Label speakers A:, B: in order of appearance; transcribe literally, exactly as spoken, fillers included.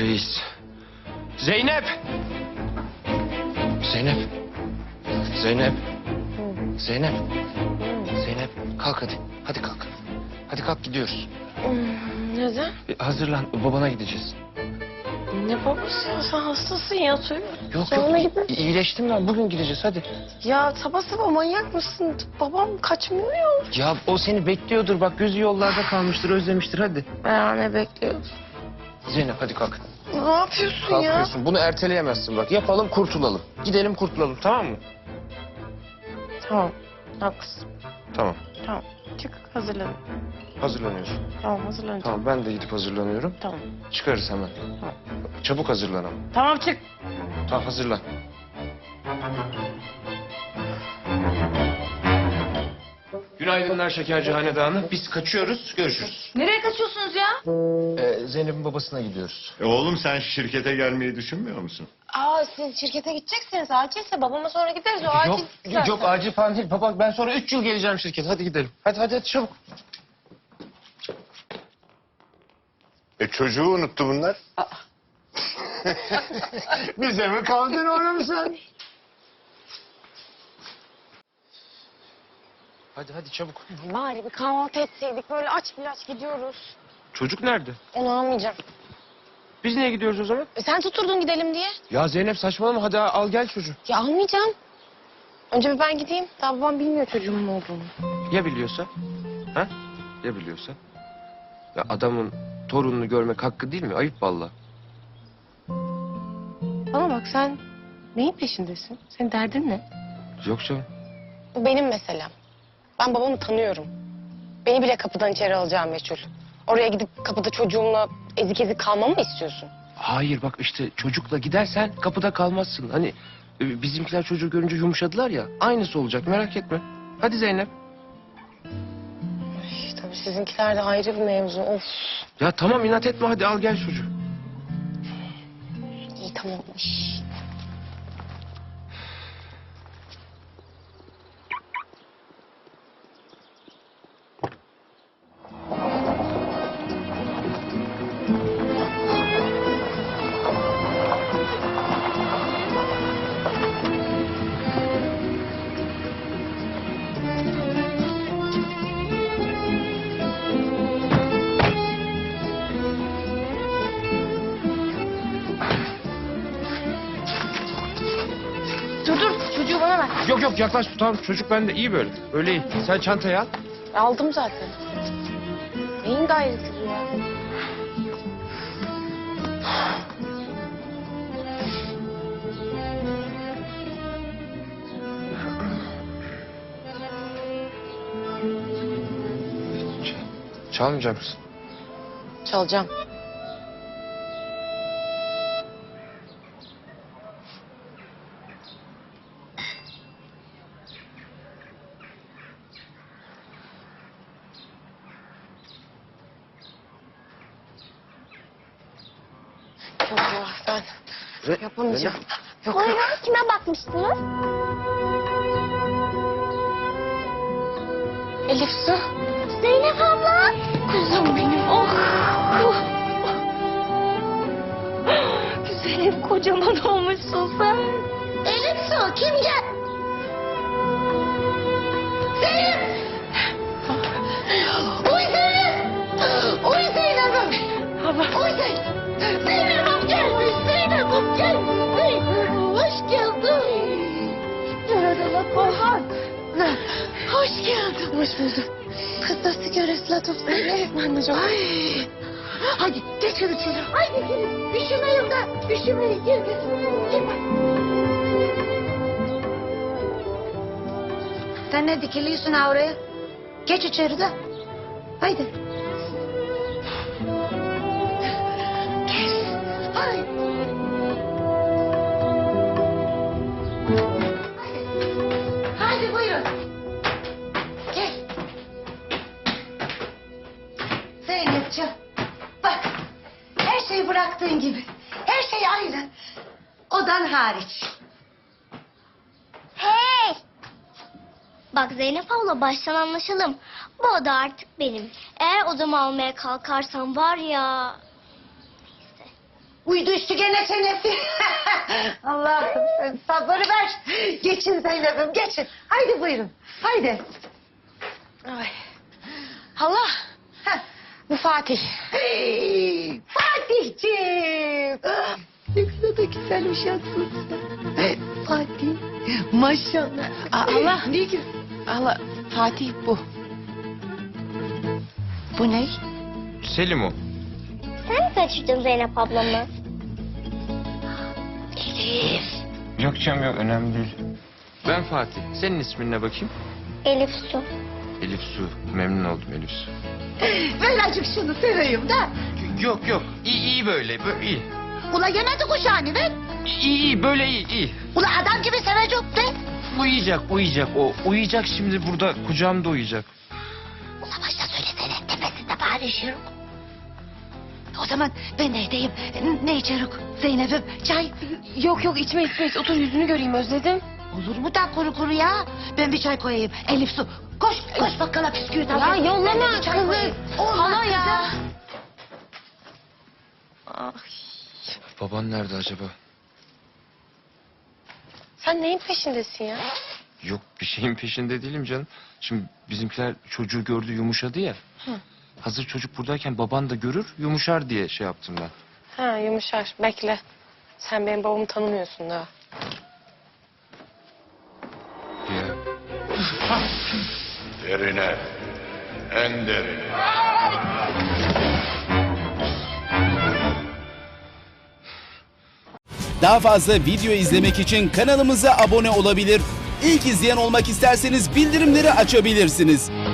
A: reis. Zeynep! Zeynep! Zeynep! Zeynep! Zeynep kalk hadi. Hadi kalk. Hadi kalk gidiyoruz.
B: Neden?
A: E, hazırlan babana gideceğiz.
B: Ne babası ya? Sen hastasın ya. Söyle.
A: Yok
B: Sonra
A: yok
B: gidin.
A: i- iyileştim ben bugün gideceğiz hadi.
B: Ya sabah sabah manyak mısın? Babam kaçmıyor ya.
A: Ya o seni bekliyordur bak gözü yollarda kalmıştır özlemiştir hadi.
B: Ya ne bekliyorsun?
A: Zeynep hadi kalk.
B: Ne yapıyorsun ya?
A: Kalkıyorsun bunu erteleyemezsin bak yapalım kurtulalım. Gidelim kurtulalım tamam mı?
B: Tamam. Haklısın.
A: Tamam
B: Tamam. Çık hazırlan.
A: hazırlanıyorsun.
B: Tamam hazırlanacağım.
A: Tamam ben de gidip hazırlanıyorum.
B: Tamam.
A: Çıkarız hemen.
B: Tamam.
A: Çabuk hazırlan ama.
B: Tamam çık.
A: Tamam hazırlan. Günaydınlar Şekerci Hanedanı. Biz kaçıyoruz. Görüşürüz.
C: Nereye kaçıyorsunuz ya?
A: Ee, Zeynep'in babasına gidiyoruz.
D: E oğlum sen şirkete gelmeyi düşünmüyor musun?
B: Aa siz şirkete gideceksiniz. Acilse babama sonra gideriz. O acil.
A: Yok, yok, yok acil falan değil. Baba ben sonra üç yıl geleceğim şirkete. Hadi gidelim. Hadi hadi, hadi çabuk.
D: E çocuğu unuttu bunlar. Bize mi kaldın oğlum sen?
A: Hadi hadi çabuk.
B: Bari bir kahvaltı etseydik. Böyle aç bir aç gidiyoruz.
A: Çocuk nerede?
B: Onu almayacağım.
A: Biz niye gidiyoruz o zaman?
B: E, sen tuturdun gidelim diye.
A: Ya Zeynep saçmalama hadi al gel çocuğu.
B: Ya almayacağım. Önce bir ben gideyim. Daha babam bilmiyor çocuğumun olduğunu.
A: Ya biliyorsa? Ha? Ya biliyorsa? Ya adamın torununu görmek hakkı değil mi? Ayıp vallahi.
B: Bana bak sen neyin peşindesin? Senin derdin ne?
A: Yok canım.
B: Bu benim meselem. Ben babamı tanıyorum. Beni bile kapıdan içeri alacağım meçhul. Oraya gidip kapıda çocuğumla ezik ezik kalmamı mı istiyorsun?
A: Hayır bak işte çocukla gidersen kapıda kalmazsın. Hani e, bizimkiler çocuğu görünce yumuşadılar ya. Aynısı olacak merak etme. Hadi Zeynep.
B: Ay, tabii sizinkiler de ayrı bir mevzu. Of.
A: Ya tamam inat etme hadi al gel çocuğu.
B: İyi tamam.
C: Dur dur çocuğu bana ver.
A: Yok yok yaklaş tamam çocuk bende iyi böyle. Öyle iyi. Sen çantayı al.
B: Aldım zaten. Neyin gayreti bu ya?
A: Çalmayacak mısın?
B: Çalacağım. Allah ben
A: Re-
B: yapamayacağım. Yok yok.
C: Buyurun kime bakmıştınız?
B: Elif Su.
C: Zeynep abla. Kuzum benim. Oh. Zeynep kocaman olmuşsun sen. Elif Su kim gel? Zeynep. Uy Zeynep. Uy Zeynep'im. Uy Zeynep. Zeynep'im gelmiş. Zeynep'im gelmiş. Zeynep'im hoş geldin. Merhaba Korhan. Hoş geldin.
B: Hoş bulduk. Kız nasıl görürsün seni? Ben de çok...
C: Ay. Hadi geçin içeri. Haydi gelin. Üşümeyin de. Üşümeyin. Gel gel. Gel.
E: Sen ne dikiliyorsun ha oraya? Geç içeri de. Haydi.
C: Gel. Haydi. Haydi buyurun.
E: Gel. Zeynepciğim. Bak. Her şeyi bıraktığın gibi. Her şey aynı. Odan hariç.
F: Hey! Bak Zeynep abla baştan anlaşalım. Bu oda artık benim. Eğer odamı almaya kalkarsan var ya...
E: Uy Uydu üstü gene çenesi. Allah'ım sen sabır ver. Geçin Zeynep'im geçin. Haydi buyurun. Haydi.
B: Ay. Hala.
E: Heh.
B: Bu Fatih.
E: Hey, Fatihciğim. Ne kadar da güzel uşaksın sen. Fatih. Maşallah.
B: Aa, Allah.
E: Ne güzel.
B: Hala Fatih bu.
E: Bu ne?
A: Selim o.
F: Sen mi kaçırdın Zeynep ablamı?
E: Elif.
A: Yok canım yok önemli değil. Ben Fatih. Senin ismin ne bakayım?
F: Elif Su.
A: Elif Su. Memnun oldum Elif Su.
E: Ver acık şunu seveyim de.
A: Yok yok. İyi iyi böyle. Böyle iyi.
E: Ula yemedi kuşağını ver.
A: İyi iyi böyle iyi iyi.
E: Ula adam gibi sevecek de.
A: Uyuyacak uyuyacak o. Uyuyacak şimdi burada kucağımda uyuyacak.
E: Ula başta söylesene tepesinde bağırışırım. O zaman ben de edeyim. Ne içerik Zeynep'im? Çay?
B: Yok yok içme içme iç. Otur yüzünü göreyim özledim.
E: Olur mu da kuru kuru ya? Ben bir çay koyayım. Elif su. Koş koş bakkala bisküvit al.
B: Ya yollama
E: Ben de bir çay
B: kızı.
E: koyayım. Olmaz
B: Hala ya.
E: kızım.
B: Ay.
A: Baban nerede acaba?
B: Sen neyin peşindesin ya?
A: Yok bir şeyin peşinde değilim canım. Şimdi bizimkiler çocuğu gördü yumuşadı ya. Hazır çocuk buradayken baban da görür yumuşar diye şey yaptım ben.
B: Ha yumuşar. Bekle. Sen benim babamı tanımıyorsun daha.
A: Ya.
D: Derine. En derine.
G: Daha fazla video izlemek için kanalımıza abone olabilir. İlk izleyen olmak isterseniz bildirimleri açabilirsiniz.